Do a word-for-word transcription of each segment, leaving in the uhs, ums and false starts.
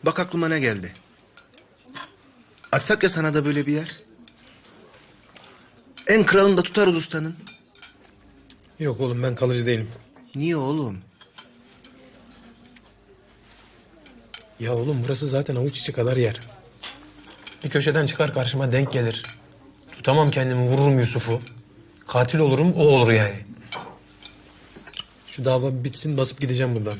Bak aklıma ne geldi. Açsak ya sana da böyle bir yer. En kralını da tutarız ustanın. Yok oğlum, ben kalıcı değilim. Niye oğlum? Ya oğlum, burası zaten avuç içi kadar yer. Bir köşeden çıkar karşıma denk gelir. Tutamam kendimi, vururum Yusuf'u. Katil olurum, o olur yani. Şu dava bitsin, basıp gideceğim buradan.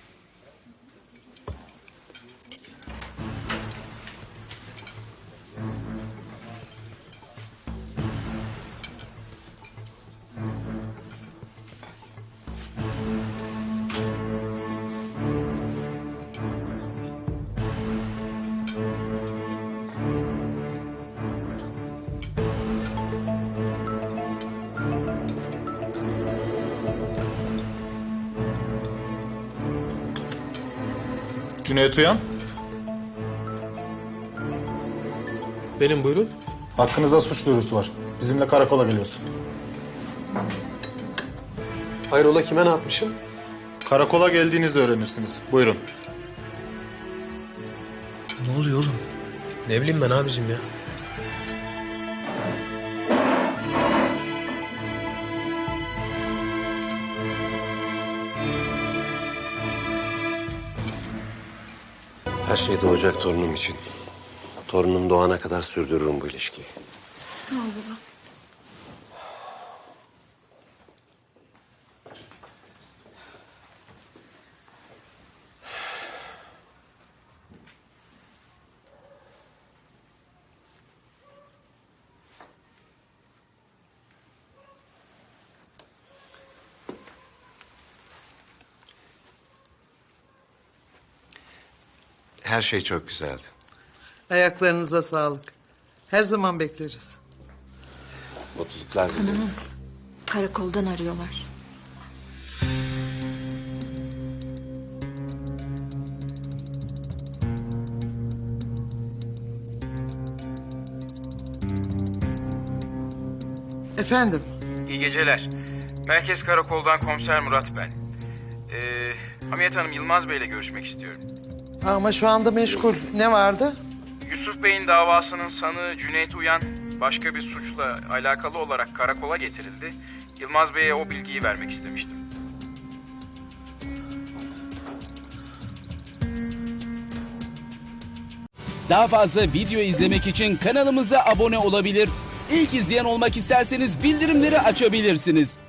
Cüneyt Uyan, Benim, buyurun. hakkınızda suç duyurusu var. Bizimle karakola geliyorsun. Hayrola, kime ne yapmışım? Karakola geldiğinizde öğrenirsiniz. Buyurun. Ne oluyor oğlum? Ne bileyim ben abicim ya. Her şey doğacak torunum için. Torunum doğana kadar sürdürürüm bu ilişkiyi. Sağ ol baba. Her şey çok güzeldi. Ayaklarınıza sağlık. Her zaman bekleriz. Mutluluklar dilerim. Karakoldan arıyorlar. Efendim, İyi geceler. Merkez Karakol'dan Komiser Murat ben. Ee, Hamiyet Hanım, Yılmaz Bey'le görüşmek istiyorum. ama şu anda meşgul. Ne vardı? Yusuf Bey'in davasının sanığı Cüneyt Uyan başka bir suçla alakalı olarak karakola getirildi. Yılmaz Bey'e o bilgiyi vermek istemiştim. Daha fazla video izlemek için kanalımıza abone olabilir. İlk izleyen olmak isterseniz bildirimleri açabilirsiniz.